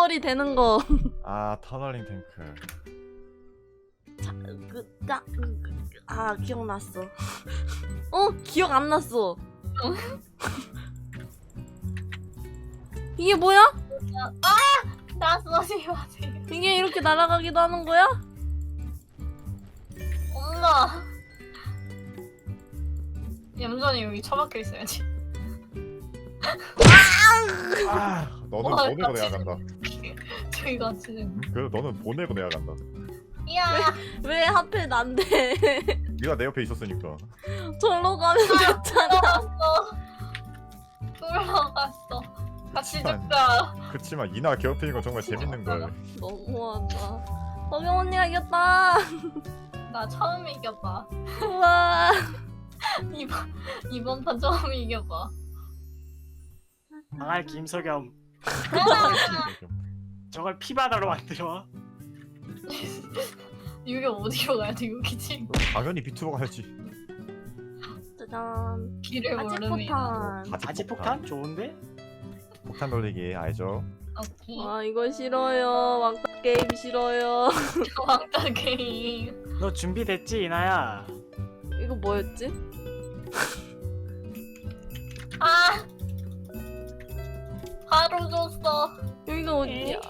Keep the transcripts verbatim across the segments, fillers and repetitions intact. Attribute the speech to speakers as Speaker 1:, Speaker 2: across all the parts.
Speaker 1: 터널이 되는 거.
Speaker 2: 아 터널링 탱크.
Speaker 1: 자, 그, 까, 그, 그, 아 기억났어. 어? 기억 안 났어. 이게 뭐야?
Speaker 3: 아! 나 쏘지 마세요.
Speaker 1: 이게 이렇게 날아가기도 하는 거야?
Speaker 3: 엄마. 얌전히 여기 처박혀 있어야지.
Speaker 2: 아 너는
Speaker 3: 와,
Speaker 2: 보내고
Speaker 3: 같이
Speaker 2: 내가 간다.
Speaker 3: 저희 같이.
Speaker 2: 응? 그래 너는 보내고 내가 간다.
Speaker 3: 야.
Speaker 1: 왜 하필 난데?
Speaker 2: 네가 내 옆에 있었으니까.
Speaker 1: 절로 가면 됐잖아.
Speaker 3: 들어갔어. 들어갔어. 같이 죽자.
Speaker 2: 그치만 이나 괴롭히는 건 정말 재밌는 걸.
Speaker 1: 너무하다. 서경 언니가 이겼다.
Speaker 3: 나 처음 이겨봐.
Speaker 1: 우와.
Speaker 3: 이번 이번 판 처음 이겨봐.
Speaker 4: 당할 김석영 저걸 피바다로 만들어.
Speaker 3: 여기 어디로 가야 돼? 여기 지금
Speaker 2: 당연히 비투로 가야지.
Speaker 1: 짜잔.
Speaker 3: 길을 모르네.
Speaker 1: 아지포탄.
Speaker 4: 바지 폭탄 좋은데?
Speaker 2: 폭탄 돌리기 알죠?
Speaker 3: 오케이.
Speaker 1: 아 이거 싫어요. 왕따 게임 싫어요.
Speaker 3: 왕따 게임.
Speaker 4: 너 준비됐지 이나야?
Speaker 1: 이거 뭐였지?
Speaker 3: 아. 바로 줬어.
Speaker 1: 여기가 어디야?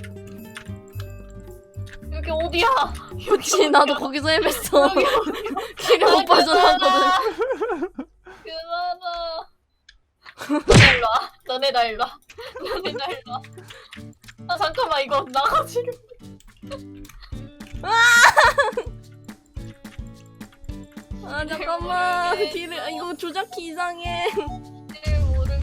Speaker 3: 여기 어디야?
Speaker 1: 그치 나도 거기서 헤맸어. 길을 못 빠져나왔거든.
Speaker 3: 그만아. 너네 일로 와. 너네 나 일로 와. 너네 나 일로 와. 아 잠깐만 이거 나가 지금.
Speaker 1: 아 잠깐만. 길을 아, 이거 조작키 이상해.
Speaker 3: 길 모르고.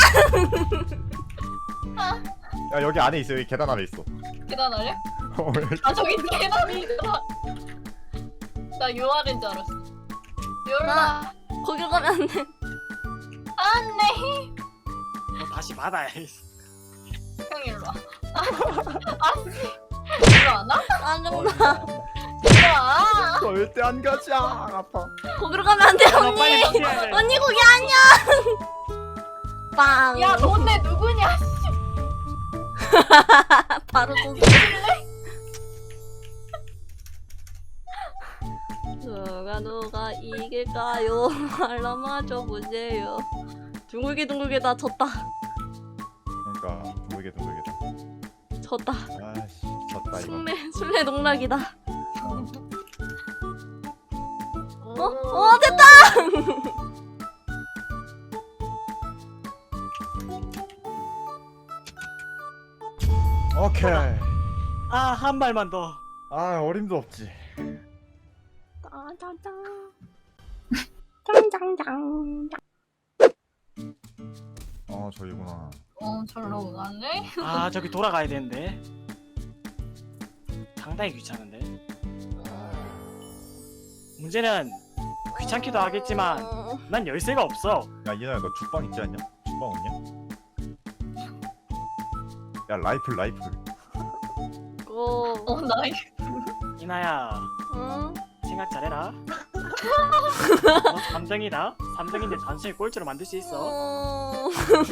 Speaker 2: 야 여기 안에 있어. 여기 계단 아래 있어.
Speaker 3: 계단 아래?
Speaker 2: 어, 여기.
Speaker 3: 아 저기 계단이 있더라. 나 유아인 줄 알았어. 열라.
Speaker 1: 나 거기로 가면 안 돼.
Speaker 3: 안돼.
Speaker 4: 너 다시 받아.
Speaker 3: 형 일로 와. 아씨. 일로 안 와?
Speaker 1: 짜증나.
Speaker 3: 일로 와.
Speaker 2: 절대 안 가지. 아, 아파.
Speaker 1: 거기로 가면 안 돼
Speaker 4: 너
Speaker 1: 언니.
Speaker 4: 빨리 피해야 돼.
Speaker 1: 언니 거기 아니야. 빵.
Speaker 3: 야 너네 누구냐?
Speaker 1: 바로 또. 누가 누가 이길까요? 알람아줘 보세요. 둥글게 둥글게 다 졌다.
Speaker 2: 그러니까 모르게 모르겠다.
Speaker 1: 졌다.
Speaker 2: 아씨 졌다 이거.
Speaker 1: 술래 술래 농락이다. 어? 어 됐다.
Speaker 2: 오케이.
Speaker 4: 아 한 발만 더.
Speaker 2: 아 어림도 없지.
Speaker 1: 짜자잔. 짱짱짱.
Speaker 2: 어 저기구나.
Speaker 3: 어 절로 가네.
Speaker 4: 아 저기 돌아가야 되는데. 상당히 귀찮은데. 문제는 귀찮기도 하겠지만
Speaker 1: 어,
Speaker 4: 난 열쇠가 없어.
Speaker 2: 야 이나야 너 죽방 있지 않냐? 죽방 없냐? 야 라이플 라이플.
Speaker 1: 어.
Speaker 3: 어 나이.
Speaker 4: 이나야
Speaker 1: 응?
Speaker 4: 생각 잘해라. 너 삼 등이다. 삼 등인데 단순히 꼴찌로 만들 수 있어.
Speaker 1: 어.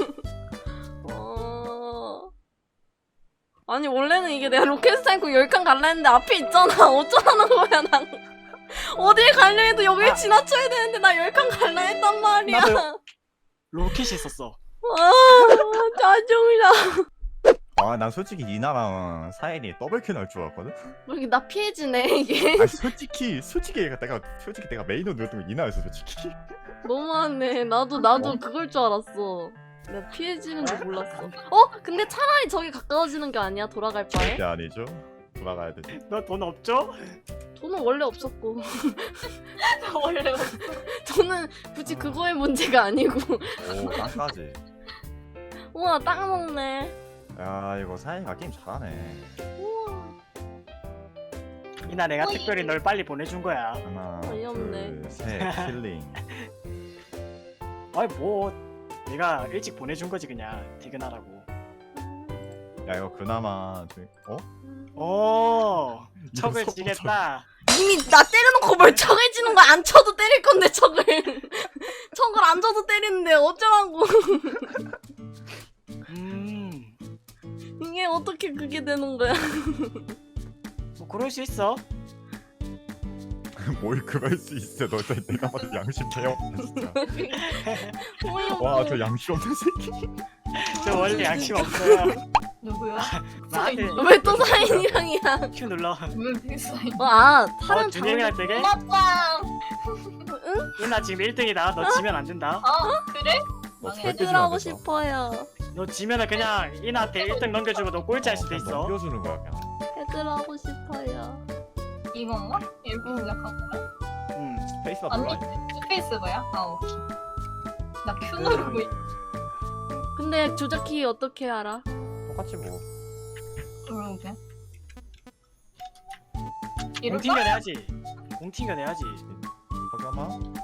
Speaker 1: 어. 아니 원래는 이게 내가 로켓 스타이크 열 칸 갈라 했는데 앞에 있잖아. 어쩌라는 거야 난. 어딜 갈려 해도 여길
Speaker 4: 아.
Speaker 1: 지나쳐야 되는데 나 열 칸 갈라 했단 말이야.
Speaker 4: 나도- 로켓이 있었어.
Speaker 1: 아 짜증나.
Speaker 2: 아 난 솔직히 이나랑 사연이 더블킬 날 줄 알았거든?
Speaker 1: 왜 이렇게 나 피해지네 이게.
Speaker 2: 아니 솔직히 솔직히 내가 솔직히 내가 메인으로 누렸던 건 이나였어 솔직히.
Speaker 1: 너무하네. 나도 나도
Speaker 2: 어?
Speaker 1: 그걸 줄 알았어. 내가 피해지는 줄 몰랐어. 어? 근데 차라리 저기 가까워지는 게 아니야? 돌아갈 바에?
Speaker 2: 절대 아니죠. 돌아가야 되지.
Speaker 4: 너 돈 없죠?
Speaker 1: 돈은 원래 없었고
Speaker 3: 원래
Speaker 1: 저는 굳이 그거의 문제가 아니고.
Speaker 2: 오 땅까지.
Speaker 1: 우와 땅 먹네.
Speaker 2: 야 이거 사연이가 게임 잘하네.
Speaker 1: 우와
Speaker 4: 이나 내가
Speaker 3: 어이.
Speaker 4: 특별히 널 빨리 보내준 거야.
Speaker 2: 하나
Speaker 1: 어이없네.
Speaker 2: 둘셋 킬링.
Speaker 4: 아이 뭐 내가 일찍 보내준 거지 그냥 퇴근하라고.
Speaker 2: 야 이거 그나마 좀- 어?
Speaker 4: 오 척을
Speaker 2: 속도
Speaker 4: 지겠다.
Speaker 1: 이미 나 때려놓고 멀쩡해지는 거 안 쳐도 때릴 건데 척을 척을 안 쳐도 때리는데 어쩌라고.
Speaker 4: 음
Speaker 1: 이게 이게 어떻게 그게 되는 거야?
Speaker 4: 뭐 그럴 수 있어.
Speaker 2: 뭘 그럴 수 있어. 너 진짜 내가 봐도 양심 배워 진짜. 와 저 양심 없는 새끼.
Speaker 4: 저 원래 양심 없어요.
Speaker 3: 누구야?
Speaker 4: 나한테
Speaker 1: 왜 또 사인이랑이야?
Speaker 4: 큐 눌러.
Speaker 3: 왜 빅사인?
Speaker 1: 어, 아
Speaker 4: 어
Speaker 1: 사람
Speaker 4: 준영이랑 되게?
Speaker 3: 고맙다.
Speaker 4: 이나 지금 일 등이다. 너 지면 안 된다.
Speaker 3: 어 그래?
Speaker 2: 너
Speaker 3: 망해.
Speaker 2: 절대 지면
Speaker 1: 해드라고
Speaker 2: 안 된다.
Speaker 1: 싶어요.
Speaker 4: 너 지면은 그냥 이나한테 일 등 넘겨주고 너 꼴찌 할 수도 있어.
Speaker 2: 넘겨주는 거야 그냥.
Speaker 1: 해드라고 싶어요.
Speaker 3: 이건가? 이렇게 시작한 거야?
Speaker 4: 응.
Speaker 2: 페이스바
Speaker 3: 아니
Speaker 2: 몰라.
Speaker 3: 스페이스바야? 아 오케이. 나 Q 누르고 있.
Speaker 1: 근데 조작키 어떻게 알아?
Speaker 2: 똑같이 뭐.
Speaker 3: 그러게.
Speaker 4: 공팅겨 내야지. 공팅겨 내야지.
Speaker 2: 잠깐만.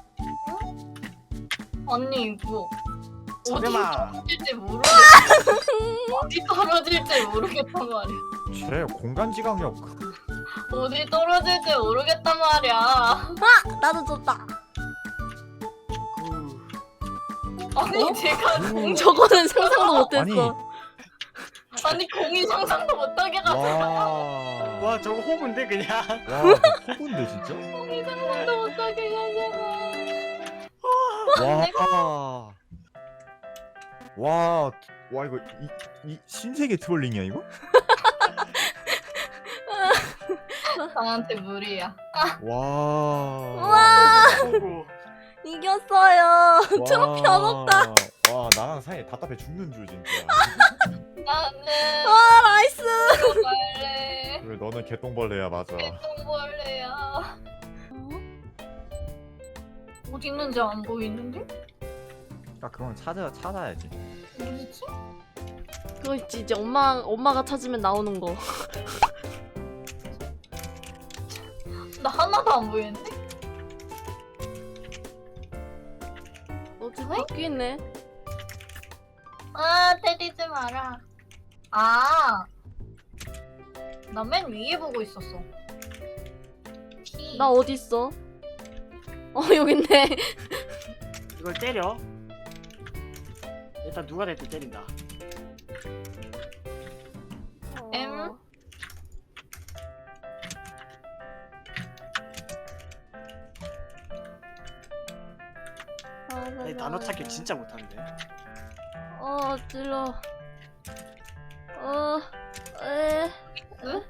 Speaker 3: 언니 이거 어디
Speaker 4: 서겸아.
Speaker 3: 떨어질지 모르겠. 어디 떨어질지 모르겠단 말이야.
Speaker 2: 쟤 공간 지각력.
Speaker 3: 어디 떨어질지 모르겠단 말이야.
Speaker 1: 아 나도 줬다.
Speaker 3: 아니
Speaker 1: 어?
Speaker 3: 제가
Speaker 2: 음.
Speaker 1: 저거는 상상도 못했어.
Speaker 3: 아니 공이 상상도 못하게 가서
Speaker 2: 와.
Speaker 4: 와 저거 호구인데 그냥.
Speaker 2: 와 호구인데 진짜.
Speaker 3: 공이 상상도 못하게 가서.
Speaker 2: 와. 와. 와 이거 이, 이 신세계 트롤링이야 이거?
Speaker 3: 나한테 무리야.
Speaker 2: 와.
Speaker 1: 와
Speaker 4: 호구.
Speaker 1: 이겼어요. 트로피
Speaker 2: 와.
Speaker 1: 얻었다.
Speaker 2: 와 나랑 사이에 답답해 죽는 줄 진짜.
Speaker 3: 나는
Speaker 1: 와 나이스.
Speaker 3: 벌레.
Speaker 2: 왜 너는 개똥벌레야 맞아.
Speaker 3: 개똥벌레야. 어디 있는지 안 보이는데?
Speaker 2: 아 그건 찾아 찾아야지.
Speaker 3: 어디지?
Speaker 1: 그거 있지 이제 엄마 엄마가 찾으면 나오는 거.
Speaker 3: 나 하나도 안 보이는데?
Speaker 1: 어디 바뀌네.
Speaker 3: 아 때리지 마라. 아, 나 맨 위에 보고 있었어. P.
Speaker 1: 나 어디 있어? 어 여기 있네.
Speaker 4: 이걸 때려. 일단 누가 될때 때린다.
Speaker 3: M.
Speaker 4: 내 단어 찾기 진짜 못하는데.
Speaker 1: 어 찔러. 어 에.
Speaker 3: 응?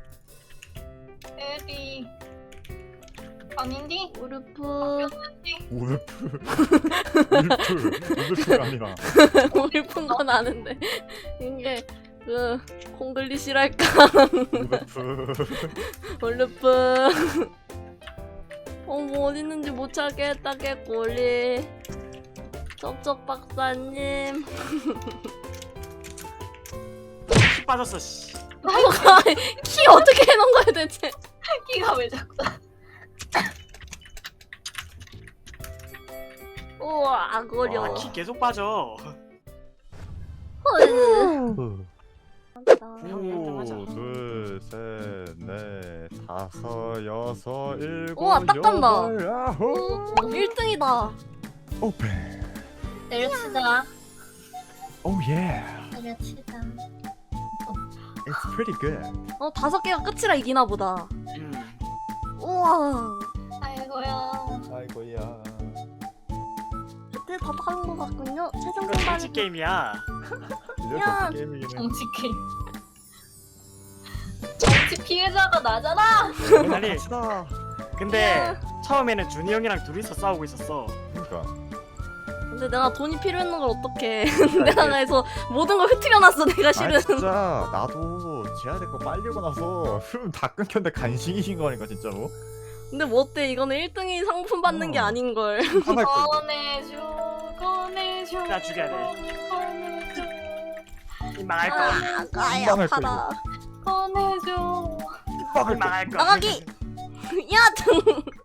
Speaker 3: 에디. 아닌디?
Speaker 1: 우르프.
Speaker 2: 우르프. 우르프. 우르프가 아니라.
Speaker 1: 우르프인 건 아는데 이게 그 콩글리시랄까.
Speaker 2: 우르프.
Speaker 1: 우르프. 어뭐 어디 있는지 못 찾겠다 개꼬리. 쩝쩝 박사님.
Speaker 4: 피 빠졌어. 씨.
Speaker 1: 키 어떻게 해놓은 거야 대체?
Speaker 3: 키가 왜 자꾸
Speaker 1: 우와 거려.
Speaker 4: 와, 키 계속 빠져.
Speaker 1: 헐.
Speaker 2: 하나, 둘, 셋, 넷, 다섯, 여섯, 일곱,
Speaker 1: 우와, 딱 간다.
Speaker 2: 여덟, 아홉.
Speaker 1: 일 등이다.
Speaker 2: 오픈.
Speaker 3: 내려치다.
Speaker 2: 오 예.
Speaker 3: 내려치다.
Speaker 2: It's pretty good.
Speaker 1: 어 다섯 개가 끝이라 이기나 보다.
Speaker 4: 음.
Speaker 1: 우와.
Speaker 3: 아이고야.
Speaker 2: 아이고야.
Speaker 1: 그때 다 다른 것 같군요. 최종
Speaker 4: 이거
Speaker 1: 선발.
Speaker 4: 정치 게임이야.
Speaker 2: 이래서 게임이긴 해.
Speaker 3: 정치 게임. 정치 피해자가 나잖아.
Speaker 4: 아니.
Speaker 2: 갑시다.
Speaker 4: 근데 처음에는 준이 형이랑 둘이서 싸우고 있었어.
Speaker 2: 그러니까.
Speaker 1: 근데 내가 돈이 필요했는 걸 어떡해. 내가 그래서 모든 걸 흐트려놨어 내가
Speaker 2: 아
Speaker 1: 실은.
Speaker 2: 진짜 나도 제야 될 거 빨리고 나서 흐름 다 끊겼는데 간신이신 거니까 진짜로.
Speaker 1: 근데 뭐 어때 이거는 일 등이 상품 받는 게
Speaker 2: 어.
Speaker 1: 아닌걸.
Speaker 2: 하나 거.
Speaker 3: 꺼내줘. 꺼내줘.
Speaker 4: 나 죽여야 돼.
Speaker 3: 꺼내줘.
Speaker 4: 이 망할 거.
Speaker 1: 아, 아이
Speaker 2: 민망할
Speaker 1: 아파라.
Speaker 3: 꺼내줘.
Speaker 4: 이 망할 거.
Speaker 1: 나가기. 야 등.